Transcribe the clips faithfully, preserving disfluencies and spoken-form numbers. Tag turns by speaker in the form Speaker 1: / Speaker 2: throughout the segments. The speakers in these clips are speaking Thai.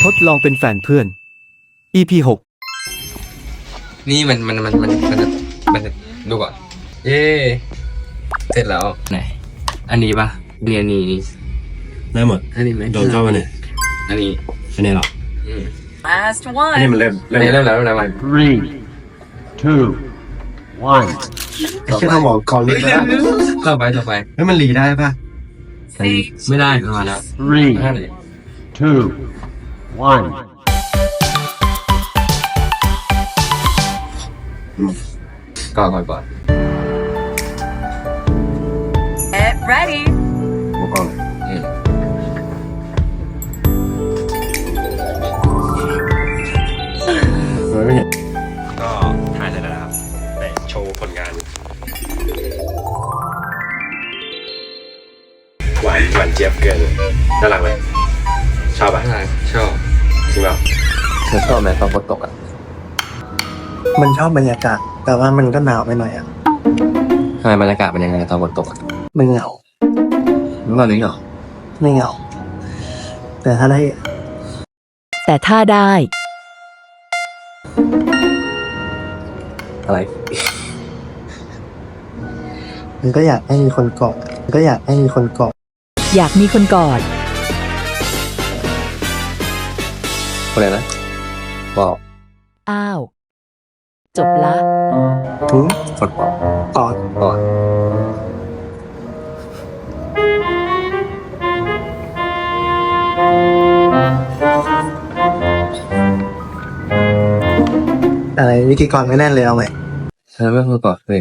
Speaker 1: ทดลองเป็นแฟนเพื่อน อี พี หก
Speaker 2: นี่มันมันมันมันมันมันดูก่อนเย้เสร็จแล้วไหนอันนี้ปะเรียนนี้
Speaker 3: ได้หมด
Speaker 2: อันนี้ไหม
Speaker 3: โดนชอบอันไหน
Speaker 2: อันนี้
Speaker 3: อันนี้หรอ
Speaker 4: Last
Speaker 3: อันนี้
Speaker 4: one.
Speaker 3: มันเริ่ม
Speaker 2: อันนี้เริ่มแล้วเริ่มแล้วมัน
Speaker 5: Three, two, one.
Speaker 3: ไอ้เชี่ยทำหมอก่อนเลยนะ
Speaker 2: ต่อไปต่อไป
Speaker 3: เฮ้ยมันรีได้ป่ะ
Speaker 2: ไม่ได้ประมาณแล้ว
Speaker 5: Three,
Speaker 2: ห้าเลย
Speaker 5: two, one.
Speaker 2: ก่อนก่อนก่อน
Speaker 4: Get ready.
Speaker 3: หมอก่อน
Speaker 2: อืม
Speaker 3: ไม่เห็นก็ถ่ายเสร็จแล้วนะครับแต่โชว์ผลงานหวานหวานเจี๊ยบเกินน่ารักไหมชอบป่ะ
Speaker 2: น่ารักชอบ
Speaker 3: จริงเปล่า
Speaker 2: เธอชอบไหมตอนฝนตกอ่ะ
Speaker 6: มันชอบบรรยากาศ แต่ว่ามันก็หนาวไปหน่อยอ่ะ
Speaker 2: ทำไมบรรยากาศเป็นยังไงตอนฝนตกอ่ะ
Speaker 6: มันเหงา
Speaker 2: ไม่ว่าหรือเหรอ
Speaker 6: ไม่เหงา แต่ถ้าได้
Speaker 7: แต่ถ้าได้
Speaker 2: อะไร
Speaker 6: มันก็อยากให้มีคนกอดมันก็อยากให้มีคนกอด
Speaker 7: อยากมีคนกอด
Speaker 2: อะไรนะบอก
Speaker 7: อ้าว จบละ
Speaker 6: ทุ้ง
Speaker 2: ฝนบอก
Speaker 6: กอด
Speaker 2: ก่อน
Speaker 6: อะไรวิธีกรไม่แน่นเลยเอาไหม
Speaker 2: เธอไม่เคยกอดเลย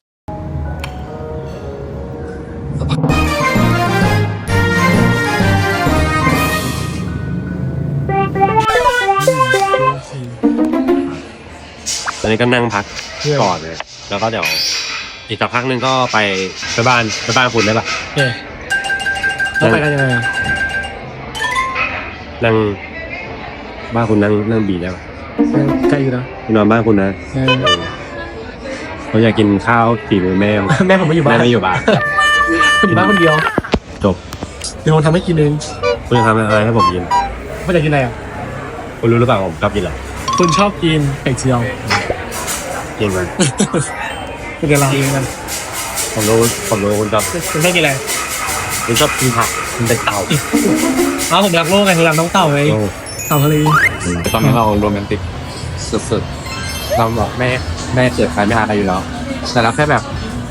Speaker 3: ตอนนี้ก็นั่งพักก่อนเลยแล้วก็เดี๋ยวอีกสักพักหนึ่งก็ไปไปบ้านไปบ้านคุณได้ป่ะ
Speaker 6: แล้วไปกันยังไง
Speaker 3: นั่งบ้านคุณนั่งนั่งบีได้ป่ะ
Speaker 6: ใกล้อยู่นะ
Speaker 3: คุณนอนบ้านคุณนะเขาอยากกินข้าวฝีมือแม่
Speaker 6: แม่ผมไม่อยู่บ้า
Speaker 3: แม่
Speaker 6: น
Speaker 3: ไม่อยู่บ้าน
Speaker 6: ผมอยู่บ้านคนเดียว
Speaker 3: จบ
Speaker 6: เดี๋ยวผมทำให้กินเอง
Speaker 3: คุณจะทำอะไรให้ผมกิน
Speaker 6: ไม่อยากกินอะไรอ่ะ
Speaker 3: คุณรู้หรือเปล่าผมชอบกินอะไร
Speaker 6: คุณชอบกินไข่เจียว
Speaker 3: กินมัน
Speaker 6: เป็นเดี๋ยวเราเองกัน
Speaker 3: ผมรู้ผมรู้คุณชอบ
Speaker 6: คุณชอบกินอะไร
Speaker 3: คุณชอบกินผักคุณเป็นเต่า
Speaker 6: อ้าวผมรักโลกไงผมรักน้องเต่าไง
Speaker 3: โอ้
Speaker 6: เต่าทะเล
Speaker 2: ตอนนี้เราโรแมนติกสุดๆเราบอกแม่แม่เกิดใครไม่หาใครอยู่แล้วแต่เราแค่แบบ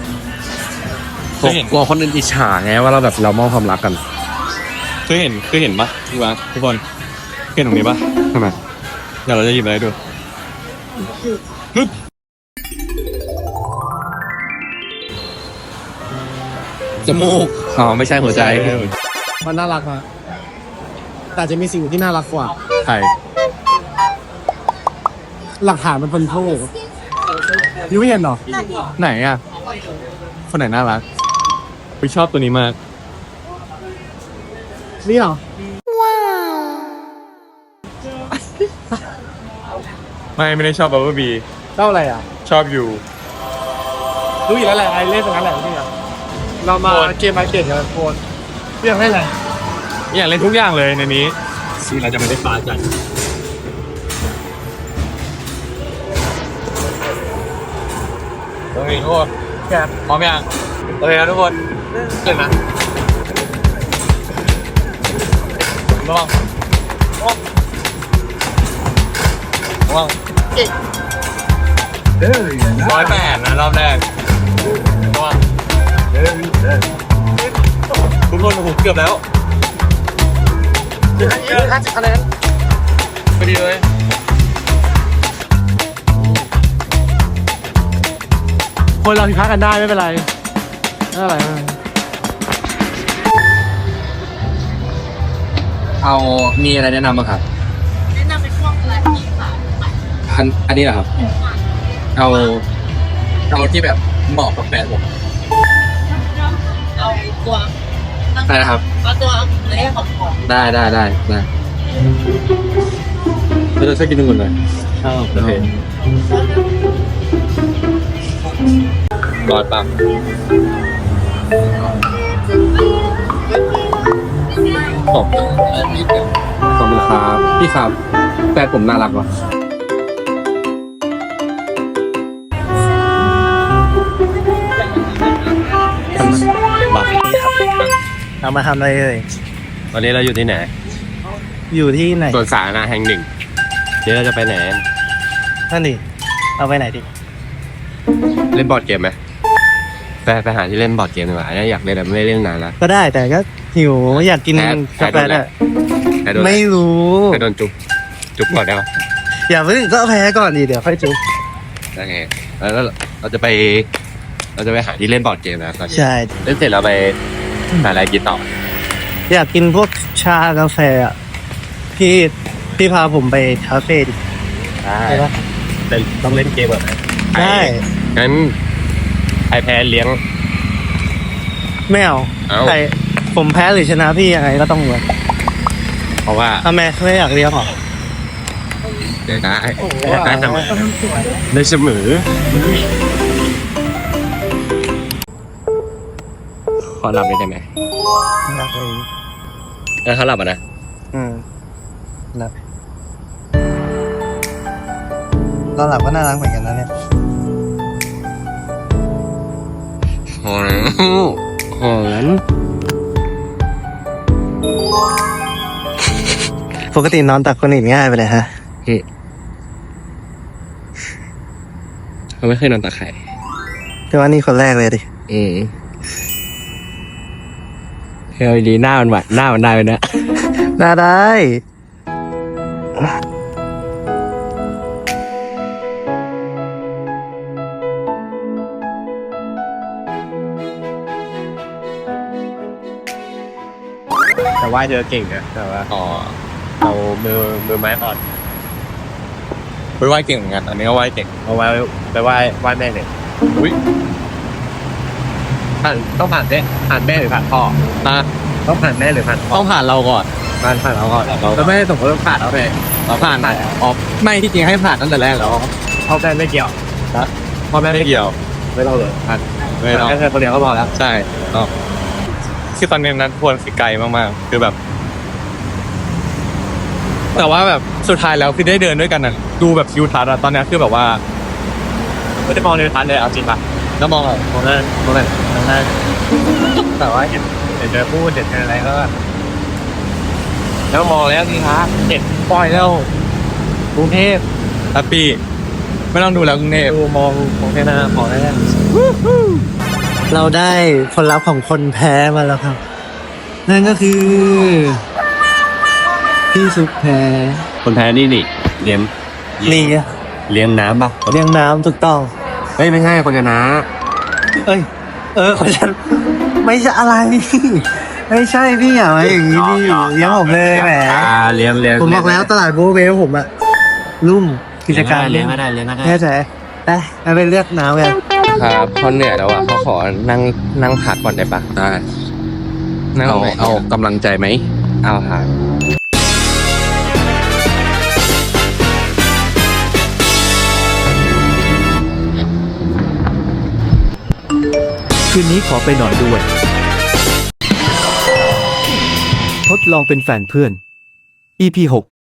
Speaker 2: กลัวคนอื่นอิจฉาไงว่าเราแบบเรามอบความรักกัน
Speaker 8: เคยเห็นเคยเห็นปะทุกวันทุกคนเคยเห็นตรงนี้ปะ
Speaker 2: ทำไม
Speaker 8: เดี๋ยวเราจะหยิบอะไรให้ดูฮึบ
Speaker 2: จมูกอ๋อไม่ใช่หัวใจ
Speaker 6: มันน่ารักอะแต่จะมีสิ่งที่น่ารักกว่า
Speaker 8: ไข่
Speaker 6: หลักฐานมันเป็นโทษยูไม่เห็นเหรอ
Speaker 8: ไหนอ่ะคนไหนน่ารักไปชอบตัวนี้มาก
Speaker 6: นี่เหรอ
Speaker 8: ไม่ไม่ได้ชอบบับเบิ้ลบี
Speaker 6: เจ้าอะไรอ่ะ
Speaker 8: ชอบอยู่
Speaker 6: รู้อยู่แล้วแหละไอเล่นตรงนั้นแหละนี่อ่ะเรามาเกมมาเก็ตกันโคนเรื่องให้อะไร
Speaker 8: อยากเล่นทุกอย่างเลยในนี้
Speaker 3: ที่เราจะไม่ได้ฟ้ากัน
Speaker 8: โอเคทุกคนพร้อมยังโอเคครับทุกคนเกิดนะระวังระวังระวังร้อยแปดนะรอบแรกระวังทุกคนผมเกือบแล้ว
Speaker 6: ห้าสิบคะแนน
Speaker 8: พอดีเลย
Speaker 6: คนเราผิดพลาดกันได้ไม่เป็นไรไม่เป็นไรไม่เป็นไร
Speaker 2: เอามีอะไรแนะนำบ้างครับ
Speaker 4: แนะนำเป็นพวกอะไรที่ค่ะ
Speaker 2: อันอันนี้เหรอครับ เอาเอาที่แบบเหมาะกับแฟนผม
Speaker 4: เอาตัว
Speaker 2: ได้นะครับ
Speaker 4: เอาตัวเล็กของของ
Speaker 2: ได้ได้ได้ได้เราจะใช้กินทุกคนเลยอ้าวโอเคร้อยปั๊ม
Speaker 3: ขอบขอบคุณครับพี่ครับแฟนผมน่ารักว่ะ บัก
Speaker 6: เอามาทำอะไรเอ่ย
Speaker 3: วันนี้เราอยู่ที่ไหน
Speaker 6: อยู่ที่ไหน
Speaker 3: สวนสาธารณะแห่งหนึ่ง เดี๋ยวเราจะไปไหน
Speaker 6: นั่นดิเอาไปไหนดิ
Speaker 3: เล่นบอร์ดเกมไหมไปไปหาที่เล่นบอร์ดเกมดีกว่าอยากเล่นแต่ไม่ได้เล่นนานแล้ว
Speaker 6: ก็ได้แต่ก็หิวอยากกิน
Speaker 3: แพ้
Speaker 6: กาแฟ
Speaker 3: แพ้โดนอะไร
Speaker 6: อ่ะ
Speaker 3: ใครโดน
Speaker 6: ไม่รู้
Speaker 3: ใครโดนจุ๊บจุ๊บก่อนได้ปะ
Speaker 6: อย่าเพิ่งก็แพ้ก่อนดิเดี๋ยวค่อยจุ๊บ
Speaker 3: ได้ไงแล้วเราจะไป เราจะไปหาที่เล่นบอร์ดเกมนะตอนนี้
Speaker 6: ใช่
Speaker 3: เล่นเสร็จเราไปหาอะไรกินต่อ
Speaker 6: อยากกินพวกชากาแฟอ่ะพี่พี่พาผมไปคาเฟ่ดิ
Speaker 3: ได้
Speaker 6: ได้ปะ
Speaker 3: แต่ต้องเล่นเกมแบบไหน
Speaker 6: ได้
Speaker 3: งั้นไอแพ้เลี้ยง
Speaker 6: ไม่เอา
Speaker 3: เอ้า
Speaker 6: ใครผมแพ้หรือชนะพี่ยังไงก็ต้องเหมือน
Speaker 3: เพราะว่า
Speaker 6: ทำไมไม่อยากเลี้ยงหรอ
Speaker 3: ได้ได้ได้ทำไมได้เสมอขอหลับได้ไหม
Speaker 6: อยากเลย
Speaker 3: เออเขาหลับอ่ะนะ
Speaker 6: อืมหลับตอนหลับก็น่ารักเหมือนกันนะเนี่ย
Speaker 3: หอนหอน
Speaker 6: ปกตินอนตักคนอื่นง่ายไปเลยฮะ
Speaker 3: เขาไม่เคยนอนตาไข่
Speaker 6: แต่ว่านี่คนแรกเลยดิ
Speaker 3: อืมเฮ้ยดีหน้ามันหวานหน้ามันได้เลยนะ
Speaker 6: น่าได้
Speaker 3: แต่ว่าเธอเก่งนะแต่ว่าอ๋อเรามือมือไม้อ่อน
Speaker 8: ไปไหว้เก่งเหมือนกันอันนี้ก็ไหว้เก่ง
Speaker 3: เอาไว้ไปไหว้ไหว้แม่เนี่ย
Speaker 8: อุ้ย
Speaker 3: ผ่านต้องผ่านแม่ผ่านแม่หรือผ่านพ่อ
Speaker 8: ตา
Speaker 3: ต้องผ่านแม่หรือผ่านพ่อ
Speaker 8: ต้องผ่านเราก่อน
Speaker 3: ผ่านผ่านเราก่อนเรา
Speaker 8: แล้วไม่ได้สมมติว่าผ่านเราไปเราผ่านไหนอ๋อไม่ที่จริงให้ผ่านตั้งแต่แรกแล้ว
Speaker 3: พ่อแม่ไม่เกี่ยว
Speaker 8: พ่อแม่ไม่เกี่ยว
Speaker 3: ไม่ต้องเลยผ่าน
Speaker 8: ไม่ต้อง
Speaker 3: แค่เธอคนเดียวก็พอแล้ว
Speaker 8: ใช่ต้องคือตอนนี้นั้นทวนคือไกลมากๆคือแบบ แต่ว่าแบบสุดท้ายแล้วคือได้เดินด้วยกันน่ะดูแบบทิวทัศน์อะตอนนี้คือแบบว่า
Speaker 3: ไม่ได้มองในทันเลยเอาจริงป่ะ
Speaker 8: แล้วมองอะ
Speaker 3: มองนั่นมองนั่นมองนั่นแต่ว่าเห็นเห็นเธอพูดเห็นเธออะไรก็แล้วมองแล้วนี่ครับเห็น
Speaker 8: ปล่อยแล้ว
Speaker 3: กรุงเทพ
Speaker 8: แฮปปี้ไม่ต้องดูแล้วกรุงเทพ
Speaker 3: ดูมองมองแค่หน้ามองแค่นั้น
Speaker 6: เราได้ผลลัพธ์ของคนแพ้มาแล้วครับ นั่นก็คือ พี่ซุปแพ้
Speaker 3: คนแพ้นี่นี่เลี้ยง
Speaker 6: นี่ไง
Speaker 3: เลี้ยงน้ำป่ะ
Speaker 6: เลี้ยงน้ำถูกต้อง
Speaker 3: เฮ้ยไม่ใช่คนชนะ
Speaker 6: เอ้ย เออคนฉันไม่ใช่อะไร ไม่ใช่พี่อย่ามาอย่างนี้ดิเลี้ยงผมเลยแหม
Speaker 3: อ่าเลี้ยงเลี้ยง
Speaker 6: ผมบอกแล้วตลาดโบเวลผมอะรุ่มกิจการ
Speaker 3: เลี้ยงก็ได้เลี้ยงก็ได้
Speaker 6: แน่ใจไปเอาไปเลือกน้ำกัน
Speaker 2: ครับเขาเหนื่อยแล้วอ่ะเขาขอนั่งนั่งพักก่อนได้ปะ
Speaker 3: ได้
Speaker 2: นั่ง
Speaker 8: เอา
Speaker 2: ไหน
Speaker 8: เอากำลังใจไหม
Speaker 2: เอาครับ
Speaker 1: คืนนี้ขอไปนอนด้วย ทดลองเป็นแฟนเพื่อน อี พี หก